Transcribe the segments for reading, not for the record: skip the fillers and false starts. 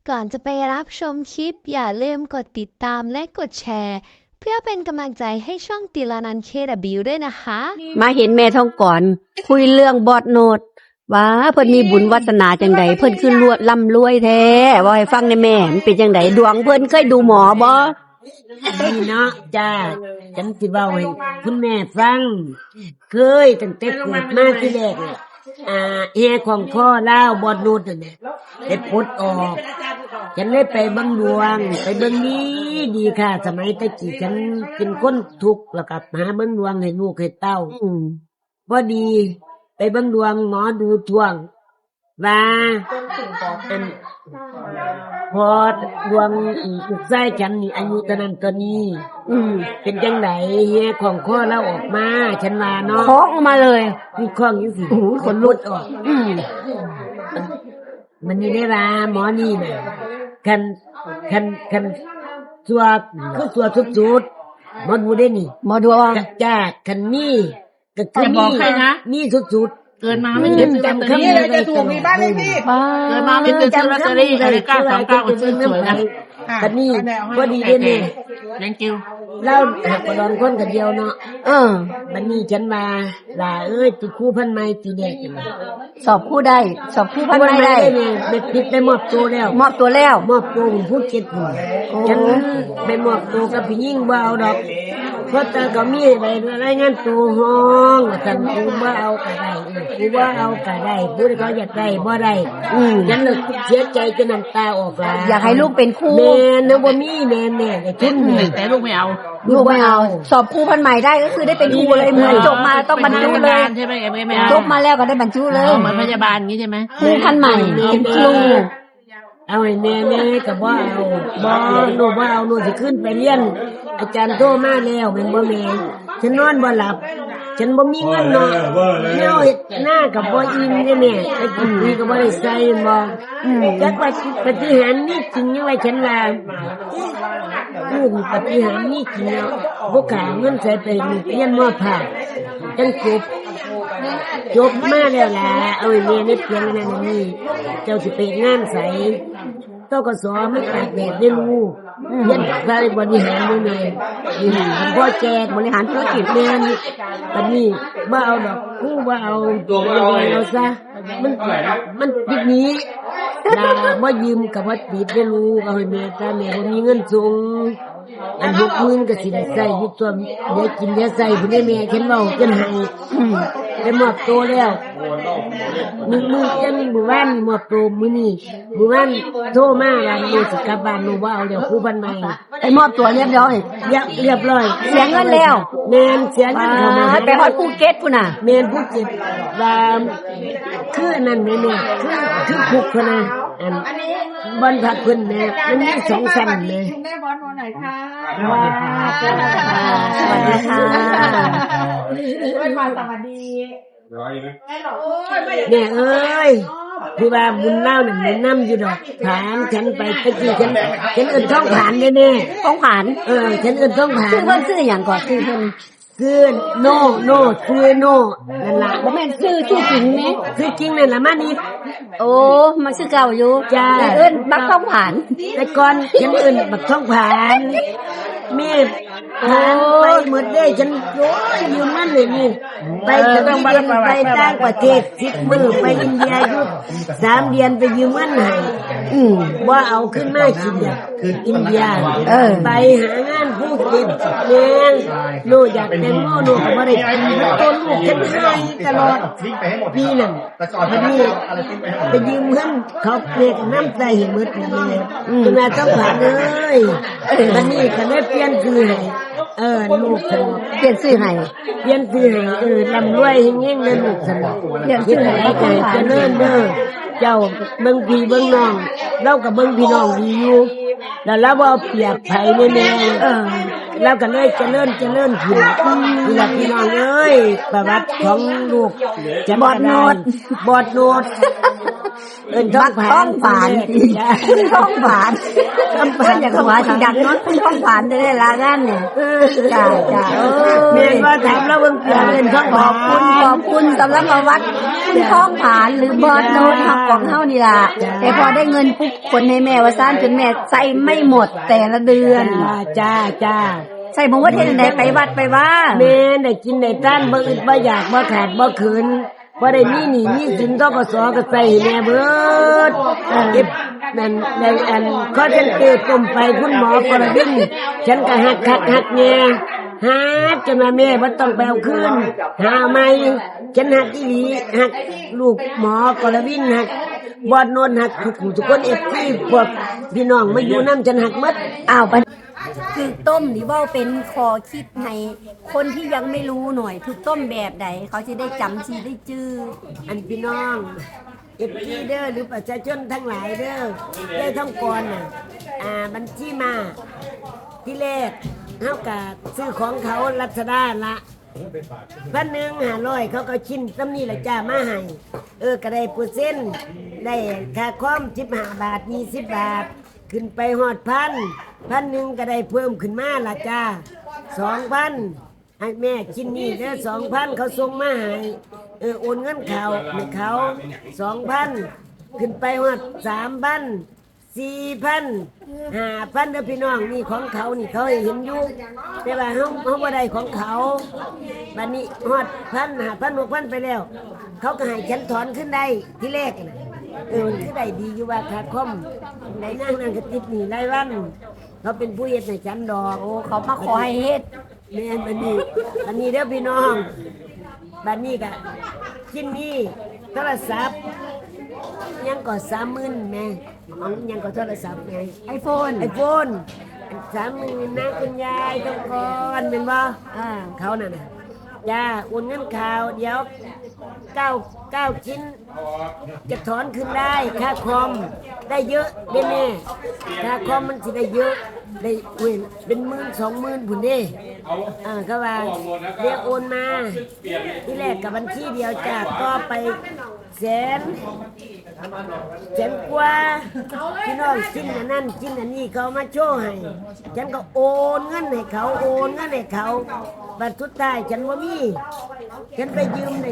ก่อนจะไปรับชมคลิปอย่าลืมกดติดตามและกดแชร์เพื่อเป็นกำลังใจให้ช่องติลานันเคดับบิวด้วยนะคะมาเห็นแม่ท้องก่อน คุยเรื่องบอดโนดว่าเพิ่นมีบุญวาสนาจังใดเพิ่นคือรวยร่ำรวยแท้ว่าให้ฟังในแม่มันเป็นจังไดดวงเพิ่นเคยดูหมอบ่นี่เนาะจ้าฉันสิเว้าให้คุณแม่ฟังเคยตั้งแต่เกิดมาที่แรกเนี่ยแอของพ่อเล่าบอดนูดนั่นแหละได้ปลดออกฉันเลยไปเบิ่งดวงไปเบิ่งนี้ดีค่ะ สมัยตะกี้ฉันเป็นคนทุกข์แล้วก็หาเบิ่งดวงให้ลูกให้เต้าพอดี ไปเบิ่งดวงหมอดูทวงว่าอันพอดวงลูกชายฉันนี่อายุเท่านั้นตัวนี้ เป็นจังไดเฮียของข้อเราออกมาฉันว่าเนาะเคาะออกมาเลยมีข้องอยู่สิคนลุดออกมันนี่ได้ว่าหมอนี่น่ะคันสัวคือสัวสุดๆหมอดูได้นี่หมอดวงจ้าคันนี่ก็คืออย่าบอกใครนะนี่สุดๆเกิดมาไม่เคยซื้อลอตเตอรี่จะถูกมีบ้านเลขที่เกิดมาไม่เคยซื้อลอตเตอรี่เลยกล้าสองเก้าก็ซื้อสวยนะคันนี่พอดีได้นี่ยังกิ้วเล่าหักกระดอนคนกันเดียวเนาะบัดนี้ฉันมาล่ะติคู่พันไม้ตีแดงกันสอบคู่ได้สอบคู่พันไม่ได้เนี่ยไปมอบตัวแล้วมอบตัวแล้วมอบตัวผมพูดเก็บหัวฉันไปมอบตัวกับพี่ยิ่งบ่เอาดอกเพราะแต่ก็มีอะไรรายงานตัวห้องฉันกูบ่เอากะได้กูบ่เอากะได้ผู้ใดเขาอยากได้บ่ได้ฉันเลยเสียใจจนน้ำตาออกลาอยากให้ลูกเป็นคู่แม่เนาะบ่มีแม่ไอ้ทุนนี่แต่ลูกไม่เอาลูกไม่เอา สอบคู่พันใหม่ได้ก็คือได้เป็นคู่เลยเหมือนจบมาต้องบรรจุเลยใช่ไหมไม่เอาจบมาแล้วก็ได้บรรจุเลยเหมือนพยาบาลงี้ใช่ไหมคู่พันใหม่เป็นครูเอาให้แม่ก็บ่เอาบ่หนูบ่เอาหนูสิขึ้นไปเรียน อาจารย์โทรมาแล้วแม่นบ่แม่ฉันนอนบ่หลับ ฉันบ่มีเงินเนาะแนวเฮ็ดหน้าก็บ่อิ่มเด้แม่ไอ้กินนี่ก็บ่ได้ใส่บ่จักว่าปฏิหารย์นี่จริงยังไงฉันว่าปฏิหารย์นี่จริงเนาะบ่กล้าเงินใส่ไปเรียนมอภาคจังจบมาแล้วล่ะเอาให้แม่ในเพียงนั้นนี่เจ้าสิไปงานใสตกสไม่ตากแดดได้รู้เรียนใส่บริหารด้วยแม่พ่อแจกบริหารธุรกิจแม่นี่ตอนนี้บ่เอาดอกกูบ่เอาเอาซะมันปิดนี้ด่าบ่ยืมกับบ่ปิดได้รู้เอาให้แม่ซะแม่บ่มีเงินส่งอัน60,000ก็สิได้ใช้อยู่ตัวเดี๋ยวกินเดี๋ยวใส่พุ่นได้แม่เข็นเว้าจนให้ได้มอบตัวแล้วมือจังมื้อวานมอบตัวมื้อนี้มื้อวานโทรมาว่าหนูสิกลับบ้านหนูบ่เอาเดี๋ยวครูบ้านใหม่ไปมอบตัวเรียบร้อยเรียบร้อยเสียเงินแล้วแม่นเสียเงินเข้ามาไปฮอดภูเก็ตพุ่นน่ะแม่นผู้เจ็บว่าคืออันนั้นแม่คือคุกพุ่นน่ะอันบ้านพักเพิ่นแม่มันมี2ชั้นแม่แม่บอลวันไหนคะสวัสดีค่ะด้วยความสวัสดีแม่เอ้ยคือว่าบุญเล่าเนี่ยบุญน้ำอยู่ดอกผานฉันไปตะกี้ฉันเอิ้นท้องผานแน่ต้องผ่านฉันเอิ้นท้องผาชื่อน เพิ่นชื่ออย่างก่อนชื่อเพิ่นคือโน่คือโน่นั่นล่ะบ่แม่นชื่อจริงไหมคือจริงนั่นล่ะมานี่โอ้มาชื่อเก่าอยู่จ้าแต่เอิ้นบักต้องผ่านแต่ก่อนฉันเอิ้นบักท้องผานแม่ผานไปหมดเด้ฉันโอ้ยยืมมันเลยนี่ไปสวีเดนไปต่างประเทศ10 มื้อไปอินเดียอยู่3 เดือนไปยืมเงินให้ว่าเอาขึ้นมากินเนี่ยคืออินเดียไปหางานผู้เก็บแม่นโนอยากแต่งโมโนก็บ่ได้กินต้นลูกฉันให้ตลอดปีนั้นวันนี้ไปยืมเงินเขาเรียกน้ำใจให้หมดเลยคุณน่าต้องผ่านเลยวันนี้ก็ได้เปลี่ยนชื่อให้ลูกฉันเปลี่ยนชื่อให้เปลี่ยนชื่อให้ลำรวยเฮงๆเลยลูกฉันเปลี่ยนชื่อให้ใจเจริญเด้อเจ้าเบิ่งพี่เบิ่งน้องเราก็เบิ่งพี่น้องดีอยู่แล้วเราบ่เปรียบไผแน่ๆแล้วก็เลยเจริญขึ้นนี่ล่ะพี่น้องเอ้ยประวัติของลูกจะบอดโนดเอิ้นท้องผ่านคุณท้องผ่านเพิ่นอยากหัวสิดังเนาะคุณท้องผ่านได้ลางานเนี่ยจ้าแม่ว่าถามแล้วเบิ่งเอิ้นท้องขอบคุณสำหรับประวัติคุณท้องผ่านหรือบอดโนดของเฮานี่ล่ะแต่พอได้เงินปุ๊บคนให้แม่ว่าซ่านจนแม่ใส่ไม่หมดแต่ละเดือนจ้าใส่บ่ว่าเฮ็ดจังได๋ไปวัดไปว่าแม่ได้กินได้ทานบ่อึดบ่อยากบ่ขาดบ่เขินบ่ได้มีหนี้มีสินธกสก็ใส่แม่เบิดเก็บนั่นในอันเขาจังเกิดต้มไปคุณหมอกระดิ่งฉันก็หักแง่หักจนว่าแม่บ่ต้องไปเอาคืนหาใหม่ฉันหักอีหลีหักลูกหมอกระดิ่งหักบอดโนนหักทุกคนที่พวกพี่น้องมาอยู่นำฉันหักหมดอ้าวคือต้มนี่เว้าเป็นคอคิดให้คนที่ยังไม่รู้หน่อยคือต้มแบบใดเขาสิได้จำสิได้จื้ออันพี่น้องที่เด้อหรือประชาชนทั้งหลายเด้อได้ท่องก่อนน่ะบัญชีมาที่แรกเฮาก็ซื้อของเขารัชดาละ1,500เขาก็ชิ้นซ้ำนี่แหละจ้ามาให้ก็ได้เปอร์เซ็นต์ได้ค่าคอม15 บาท20 บาทขึ้นไปฮอด1,000ก็ได้เพิ่มขึ้นมาละจ้า 2,000ให้แม่ชิ้นนี้เด้อ 2,000เขาส่งมาให้โอนเงินเขาให้เขา 2,000ขึ้นไปฮอด 3,000 4,000 5,000เด้อพี่น้องนี่ของเขานี่เขาให้เห็นอยู่แต่ว่าเฮาบ่ได้ของเขาบัดนี้ฮอด 1,000 5,000 6,000ไปแล้วเขาก็ให้ฉันถอนขึ้นได้ที่แรกน่ะมันคือได้ดีอยู่ว่าค่าคอมได้นั่งก็ติดหนี้รายวันเขาเป็นผู้เฮ็ดให้ฉันดอกโอ้เขามาขอให้เฮ็ดแม่นบัดนี้เด้อพี่น้องบัดนี้ก็กินนี่โทรศัพท์ยังก็ 30,000 แม่ยังก็โทรศัพท์ไง iPhone 30,000นะคุณยายต้องก่อนแม่นบ่เขานั่นน่ะย่าโอนเงินข่าวเดี๋ยว9ชิ้นจะถอนขึ้นได้ค่าคอมได้เยอะเด้แม่ค่าคอมมันสิได้เยอะได้เป็น10,000 20,000พุ่นเด้ก็ว่าเรียกโอนมาที่แรกกับบัญชีเดียวจ้ะก็ไปแสนกว่าพี่น้องชิ้นอันนั้นชิ้นอันนี้เขามาโชว์ให้ฉันก็โอนเงินให้เขาบัดสุดท้ายฉันบ่มีฉันไปยืมได้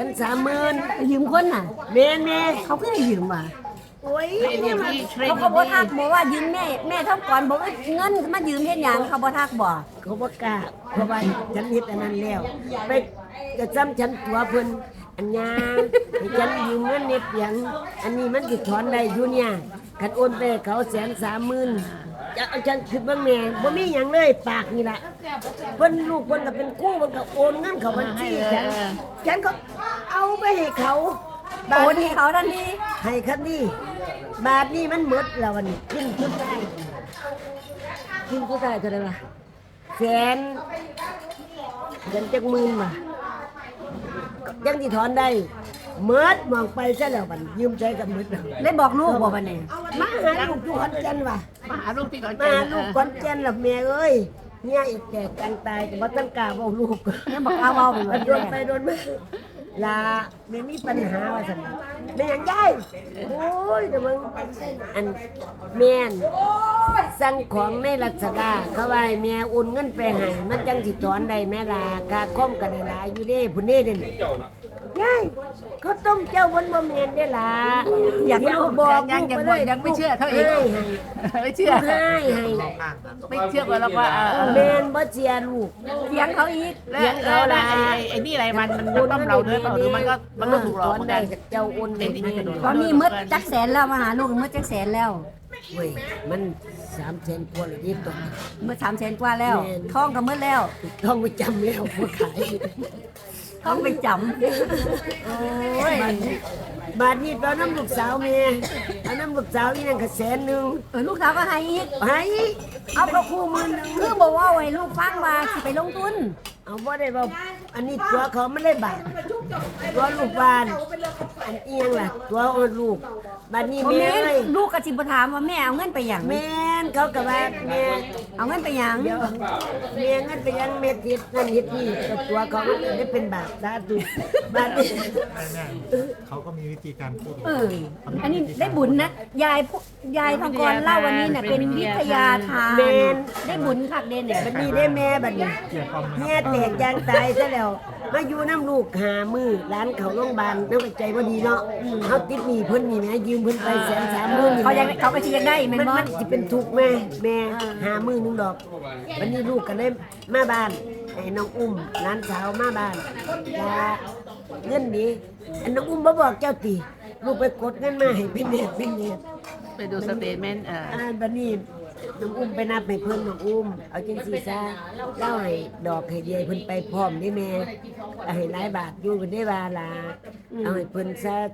130,000 ยืมคนน่ะแม่เขาก็ให้ยืมว่ะโอ้ยเขาก็บ่ทักบอกว่ายืมแม่ทำก่อนบอกเงินมายืมเฮ็ดหยังเขาบ่ทักบ่เขาบ่กล้าเพราะว่าฉันเฮ็ดอันนั้นแล้วไปจะจำฉันตัวเพิ่นอันยาให้ฉันยืมเงินเน็ตหยังอันนี้มันสิถอนได้อยู่เนี่ยคันโอนไปเขา130,000จะเอาฉันคิดเบิ่งแม่บ่มีหยังเลยปากนี่ล่ะเพิ่นลูกเพิ่นก็เป็นกู้เพิ่นก็โอนเงินเข้าบัญชีฉันก็เอาไปให้เขาโอนให้เขาทันทีให้คันนี้บาทนี้มันหมดแล้ววันนี้กินผู้ชายเท่าไหร่วะแสนจักหมื่นว่ะยังที่ถอนได้เมิดมองไปซะแล้วบัดยืมใจกับเมิดได้บอกลูกบ่บัดนี้มาหาลูกอยู่ขอนแก่นว่ะมาหาลูกที่ขอนแก่นมาลูกขอนแก่นล่ะแม่เอ้ยเนี่ยอีกแก่กันตายก็บ่ต้องกล้าเว้าลูกยังบอกเอาเว้าไปโดนไปโดนมาลาไม่มีปัญหาว่าซั่นแม่ยังได้โอ้ยเดี๋ยวมึงอันแม่นสั่งของในรัชดาเขาว่าให้แม่โอนเงินไปให้มันจังสิถอนได้แม่ล่ะค่าคอมก็ได้หลายอยู่เด้พุ่นนี่เด้ยายเขาต้มเจ้าบนบ่แม่นเด้ล่ะอยากบอกยังไม่เชื่อเขาอีกไม่เชื่อไม่เชื่อว่าเราว่าแม่นบ่เชื่อลูกเถียงเขาอีกเถียงเขาล่ะไอ้นี่อะไรมันต้มเราเด้อหรือมันก็ถูกหลอกได้เจ้าโอนเงินตอนนี้หมดจักแสนแล้วมาหาลูกหมดจักแสนแล้วเว้ยมัน300,000กว่าเลยนี่ตัวหมด300,000กว่าแล้วท้องก็หมดแล้วท้องไปจำแล้วบ่ขายต้องไปจำโอ้ยบาทนี้ตอนน้ำลูกสาวเมียเอาน้ำลูกสาวนี่นั่นก็100,000 ลูกสาวก็ให้อีกเอาก็คู่10,000 คือบอกว่าไว้ลูกฟังว่าสิไปลงทุนเอาบ่ได้บ่อันนี้ตัวเขาไม่ได้บาทตัวลูกบ้านอันเอียงล่ะตัวลูกบัดนี้แม่เอ้ยลูกก็สิบ่ถามว่าแม่เอาเงินไปหยังแม่นเขาก็ว่าแม่เอาเงินไปหยังเดี๋ยวแม่เงินไปยังแม่ทิศนั่นเฮ็ดนี่แต่ตัวเขามันได้เป็นบาปสาธุบาปนี่แม่เขาก็มีวิธีการพูดอันนี้ได้บุญนะยายทองกรเล่าวันนี้น่ะเป็นวิทยาทานแม่นได้บุญคักเด่นเนี่ยบัดนี้ได้แม่บัดนี้เกี่ยวกับแม่แตกยางตายซะแล้วมาอยู่น้ำลูกหามือร้านเขาโรงพยาบาลน้ำใจบ่ดีเนาะเขาติดหนี้เพิ่นนี่แม่ยืมเพิ่นไป130,000นี่เขาก็สิอยากได้แม่นบ่มันสิเป็นทุกข์แม่หามือนึงดอกวันนี้ลูกก็เลยมาบ้านไอ้น้องอุ้มร้านสาวมาบ้านลาเงินนี้อันน้องอุ้มบ่บอกเจ้าติลูกไปกดเงินมาให้เป็นเน็ตไปดูสเตทเมนต์บัดนี้น้องอุ้มไปนับให้เพิ่นน้องอุ้มเอาจังซี่ซะเล่าให้ดอกให้เดียเพิ่นไปพร้อมได้แม่เอาให้หลายบาทอยู่เพิ่นได้ว่าล่ะเอาให้เพิ่นซะ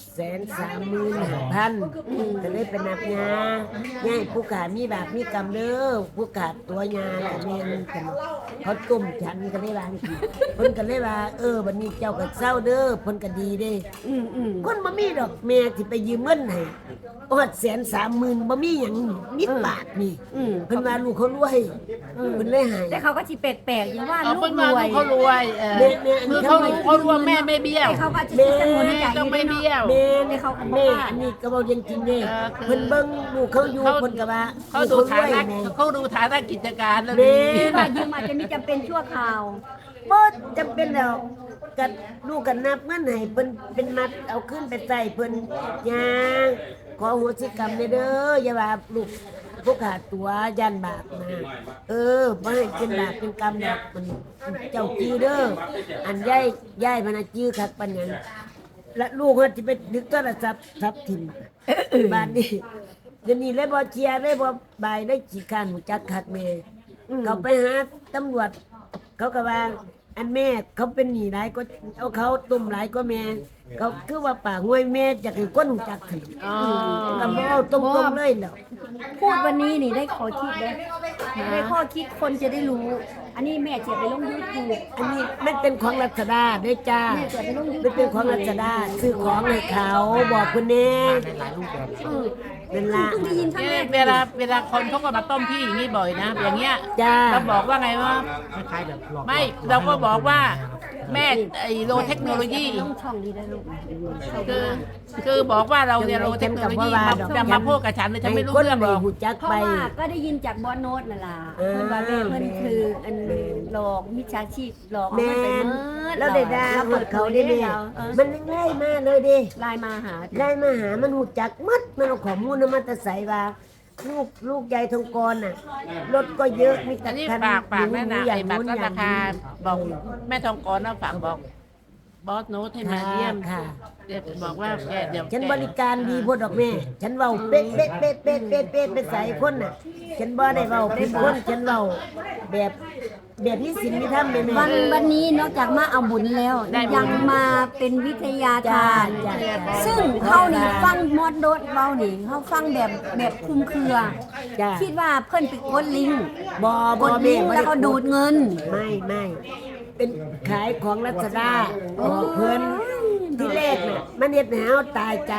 135,000ก็เลยไปนับยาให้ผู้ขามีบาปมีกรรมเด้อผู้ขาดตัวยาน่ะแม่นกันเขาต้มฉันก็ได้ว่าจังซี่เพิ่นก็เลยว่าบัดนี้เจ้าก็เศร้าเด้อเพิ่นก็ดีเด้คนบ่มีดอกแม่สิไปยืมเงินให้อด130,000บ่มีหยังนิดบาทนี่เพิ่นว่าลูกเขารวยเพิ่นเลยให้แต่เขาก็สิแปลกๆอยู่ว่าเอาลูเพิ่กนรมาวยเขารวยคือเขารู้ว่าแม่ไม่เบี้ยวแต่เขาก็สิสมุนใจต้องไม่เบี้ยวแม่แต่เขาก็บ่แม่ว่าอันนี้ก็บอกจริงๆเด้คือเพิ่นเบิ่งลูกเขาอยู่เขาเพิ่นก็ว่าเขาดูฐานะเขาดูฐานะกิจการแล้วแม่ดีว่ายืมอาจจะมีจำเป็นชั่วคราวบ่จำเป็นแล้วก็ลูกก็นับเงินให้เพิ่นเป็นมัดเอาขึ้นไปใส่เพิ่นย่างขอโหสิกรรมเด้ออย่าว่าลูกพวกขาดตัวยันบาปนะบ่ให้เป็นบาปเป็นกรรมดอกมันเจ้าจื้อเด้ออันยายมันน่ะจื้อคักปานหยังและลูกเขาสิไปดึกโทรศัพท์ทับทิ่มบ้านนี้เดี๋ยวนี้เลยบ่เชียร์เลยบ่บายเลยขี้ข้านหูจักคักแม่เขาไปหาตำรวจ เขาก็ว่าอันแม่เขาเป็นหนี้หลายก็เอาเขาตุ่มหลายก็แม่เขาคือว่าป่าห้วยแม่จากให้ก้นหูจักถึงก็บ่เอาตรงๆเลยแล้วพูดวันนี้นี่ได้ข้อคิดเลยได้ข้อคิดคนจะได้รู้ อันนี้แม่เจ็บไปลงยูทูบอันนี้มันเป็นของรัชดาเด้อจ้ามันเป็นของรัชดาซื้อของให้เขาบอกคุณแน่ในหลายรูปแบบนั่นล่ะเพิ่งได้ยินครั้งแรกเวลาคนเขาก็มาต้มพี่อย่างนี้บ่อยนะ อย่างเงี้ยจ้าเราบอกว่าไงว่าคล้ายๆแบบหลอกไม่เราก็บอกว่าแม่ไอ้โลเทคโนโลยีต้องช่องนี้ได้ลูกคือบอกว่าเราเนี่ยโลเทคโนโลยีมาพูดกับฉันเลยฉันไม่รู้เรื่องหรอกหูจักเพราะไปว่าก็ได้ยินจากบอสโน้ตนั่นล่ะเพิ่นว่าแม่เพิ่นคืออันหลอกมิจฉาชีพหลอกเอาแม่เงินไปนเมิดแล้วได้ด่าเราหมเปิดดเขาเขาได้ได้แม่แล้วมันง่ายมากเลยเด้ไลน์มาหาได้มาหามันหูจักมัดมันเอาข้อมูลนำมาแต่ใส่ว่าลูกใหญ่ทองกรน่ะรถก็เยอะมีอัแต่นนี้คันฝากแม่นะอย่าไอ้งบัตนู้รนลดอย่าราง คานี้บอกแม่ทองกรนะฝากบอกบอสโน้ตให้มาเยี่ยมค่ะเดี๋ยวบอกว่าแกเดี๋ยวฉันบริการดีพวดดอกแม่ ฉันเว้าเป๊ะเป๊ะเป๊ะเป๊ะเป๊ะเป๊ะไปใส่คนน่ะ ฉันบ่ได้เว้าเป็นคนฉันเว้าแบบนี้สินมีธรรมแม่แม่วันนี้นอกจากมาเอาบุญแล้วยังมาเป็นวิทยาทานจ้าซึ่งเขานี่ฟังมอดโดดเบานี่เขาฟังแบบคลุมเครือจ้าคิดว่าเพิ่นไปกดลิงก์บ่กดลิงก์แล้วก็ดูดเงินไม่เป็นขายของรัชดาบอกเพิ่นที่แรกน่ะมันเฮ็ดให้เฮาตายใจ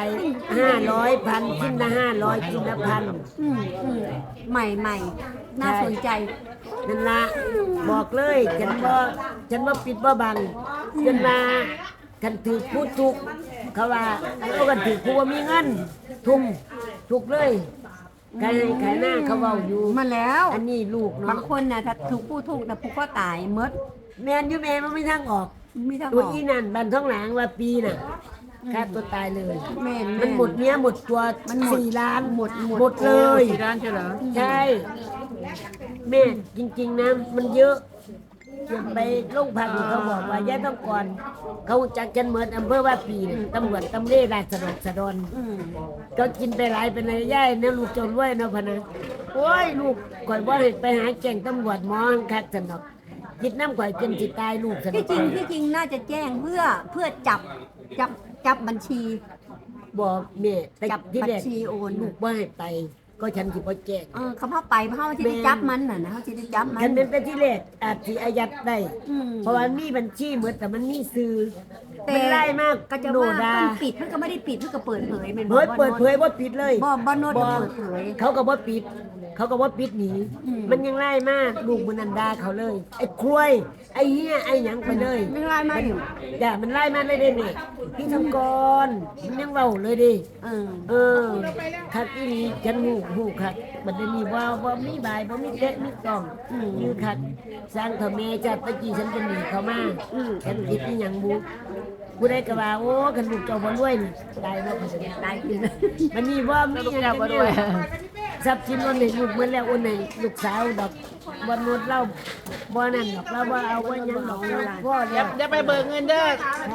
500พันชิ้นละ500ชิ้นละพันใหม่น่าสนใจนั่นละบอกเลยฉันบ่ปิดบ่บังจนมาคันถือพูดถูกเขาว่าเอากันถือผู้ว่ามีเงินทุ่มถูกเลยขายหน้าเขาเว้าอยู่มาแล้วอันนี้ลูกบาเนาะงคนน่ะถ้าถูกผู้ถูกแต่ผู้ก็ตายหมดแม่นอยู่แม่มันไม่ทางออกมีทางตัวออกอีนั่นบันท้องหลังว่าปีน่ะฆ่าตัวตายเลยแม่นมันหมดเนี้ยหมดตัวมันหมด 4 ล้านหมดเลยที่ร้านใช่เหรอใช่แม่จริงๆนะมันเยอะอย่าไปโรงพักนี่เขาบอกว่าย่าต้องก่อน เขาจักกันเหมือนอำเภอว่าปีน่ะตำรวจตำเร่ราชสะดอนก็กินไปหลายเป็นอะไรย่ายเนี่ยลูกจนรวยเนาะพะนะโอ้ยลูกข่อยบ่ให้ไปหาแจ้งตำรวจหมอคักสนอกคิดน้ำข่อยจนสิตายลูกสนอที่กจริงน่าจะแจ้งเพื่อจับบัญชีบอกแม่แต่จับที่แรกบัญชีโอนลูกบ่ให้ไป ก็ฉันสิบ่แจ้งเขาเข้าไปเขาจะได้จับมันน่ะนะเขาจะได้จับมันคันเป็นแต่ที่แรกอาจสิอายัดได้อืมเพราะว่ามีบัญชีเหมือนแต่มันมีซื้อมันไล่มากก็จะโนว่าดามันปิดมันก็ไม่ได้ปิดมันก็เปิดเผยเป็นเปิดเผยบ่ปิดเลยบ่โนดก็เปิดเผยเขาก็บ่ปิด เขาก็บ่ปิดหนี มันยังไล่มากลูกมันนันดาเขาเลย ไอ้ครวยไอ้เหี้ยไอ้หยังไปเลยไม่ไล่มาอยู่จ้ะมันไล่มาเลยเด้นี่พี่ทำกรมันยังเว้าเลยดิ เออคักอีนี้ฉันหูคักบัดนี้ว่ามีบายบ่มีเด็กมีกล่องยือคักสร้างเถาแม่จัดตะกี้ฉันจะหนีเขามาฉันคิดอีหยังบุผู้ใดก็ว่าโอ้คันลูกเจ้าบ่รวยนี่ตายแล้วตายกินมันนี่ว่ามีหยังบ่รวยทรัพย์สินวันนี้ลูกเหมือนแล้ววันนี้ลูกสาวดอกบ่นวดเล่าบ่นั่นดอกเราบ่เอาว่าหยังดอกพ่อเดี๋แล้ยว วเดี๋ยวไปเบิกเงินเด้อ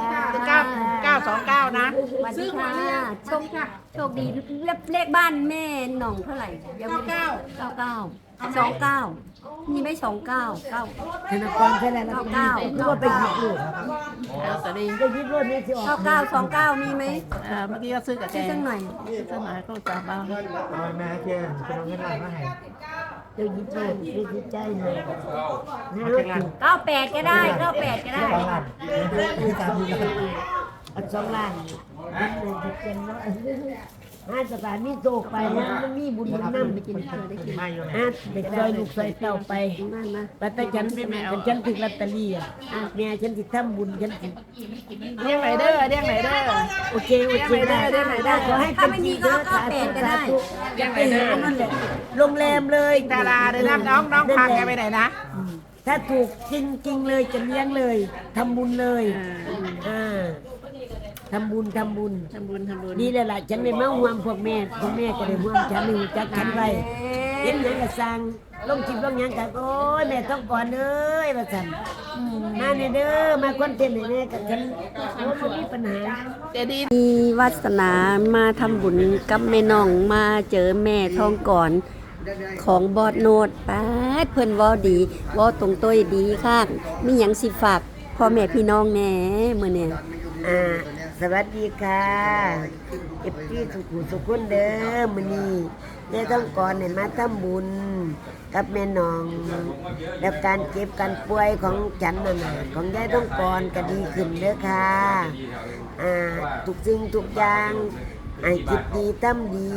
929นะสวัสดีค่ะโชคดีเลขบ้านแม่หน่องเท่าไหร่ยังไม่ได้99มีไหม29 ธนาคารใช่แล้วหรือว่าไปหยิบลูกลอตเตอรี่ไปหยิบรถนี่สิออก 9929มีไหมเมื่อกี้ก็ซื้อกับแกซื้อสักหน่อยซื้อหน่อยก็จะมาเอาแม่เจนเป็นเอาเงินหลังมาให้เดี๋ยวหยิบรถนี่สิใจหน่อยนะ 98ก็ได้98ก็ได้สองล้านที่ตามดูกันอัน2 ล้านมันเลยจะเป็นแล้วสถานมีโตไปนะมันมีบุญนำไปกินไม่อยู่ไหนเด็กซอยลูกซอยเต้าไปแต่ฉันถึงลอตเตอรี่อ่ะแม่ฉันสิทำบุญฉันสิเรียกไหนเด้อเรียกไหนเด้อโอเคได้ขอให้เป็นจริงเด้อสาธุสาธุอยากไปหานั่นแหละโรงแรมเลยดาราเด้อนะน้องพาแกไปไหนนะถ้าถูกจริงๆเลยจะเลี้ยงเลยทำบุญเลยทำบุญนี่แหละล่ะฉันไม่มาห่วงพวกแม่ก็ได้ห่วงฉันหนึ่งจักฉันไว้เห็นหยังก็สั่งลงจิบลงหยังกันโอ้ยแม่ต้องก่อนเอ้ยว่าสั่นมาเนี่ยเด้อมาคอนเทนต์เนี่ยแน่กับฉันโอ้ไม่มีปัญหาเจดีมีวาสนามาทำบุญกับแม่น้องมาเจอแม่ทองก่อนของบอดโนดป้าดเพิ่นเว้าดีเว้าตรงต้อยดีค่ะมีหยังสิฝากพ่อแม่พี่น้องแหน่มื้อเนี่ยสวัสดีค่ะเอฟซีสุขุนเด้อมื้อนี้ได้ต้องก่อนเนี่ยมาทำบุญกับแม่น้อง แล้วการเจ็บการป่วยของฉันน่ะของยายต้องก่อนก็ดีขึ้นเด้อค่ะทุกสิ่งทุกอย่างให้คิดดีทำดี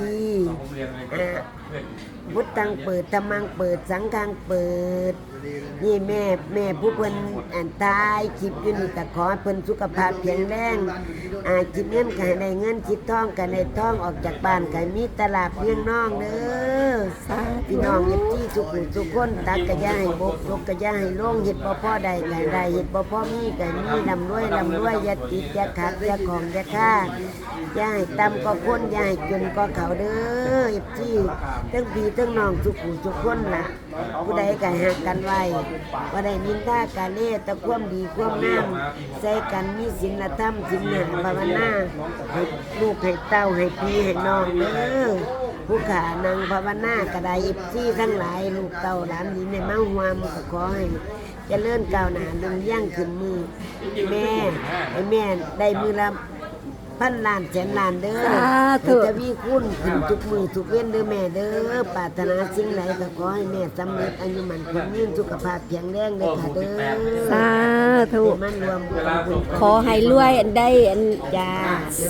พุทธังเปิดธรรมังเปิดสังฆังเปิดนี่แม่ผู้เพิ่นตายคลิปอยู่นี่ก็ขอให้เพิ่นสุขภาพแข็งแรงคิดเงินก็ให้ได้เงินคิดทองก็ได้ทองออกจากบ้านก็มีตลาดเลี้ยงน้องเด้อพี่น้องเฮ็ดที่ทุกคนตักก็อย่าให้บกตกก็อย่าให้ลงเฮ็ดบ่พอได้ก็ได้เฮ็ดบ่พอมีก็มีร่ำรวยอย่าติดอย่าขาดอย่าของอย่าขาดอย่าให้ต่ำก็คนอย่าให้จนก็เขาเด้อเฮ็ดที่ทั้งพี่ทั้งน้องทุกคนล่ะผู้ใดก็หักกันไว้บ่ได้นินทากาเลตะความดีความงามใส่กันมีศีลธรรมศีลหาภาวนาให้ลูกให้เต้าให้พี่ให้น้องเด้อผู้ขานังภาวนาก็ได้อิบซี่ทั้งหลายลูกเต้าหลานดีในมาหวามก็ขอให้เจริญก้าวหน้าลงย่างขึ้นมือแม่ให้แม่ได้มือละพันล้านแสนล้านเด้อจะมีคุณขึ้นทุกมือทุกเว้นเด้อแม่เด้อปรารถนาสิ่งใดก็ขอให้แม่สำเร็จอายุมันคนยืนสุขภาพแข็งแรงเด้อค่ะเด้อสาธุมันรวมบุญขอให้รวยอันได้จ้า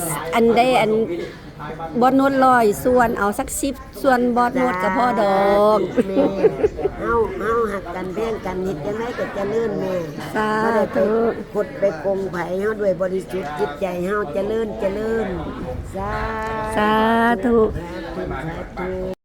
บอดโนด100ส่วนเอาสัก10ส่วนบอดโนดก็พอดอกแม่เฮาหักกันแบ่งกันเฮ็ดจังไดก็เจริญแม่สาบ่ได้ไปธุกดไปโกงไผเฮาด้วยบริสุทธิ์จิตใจเฮาเจริญสาสาธุธุ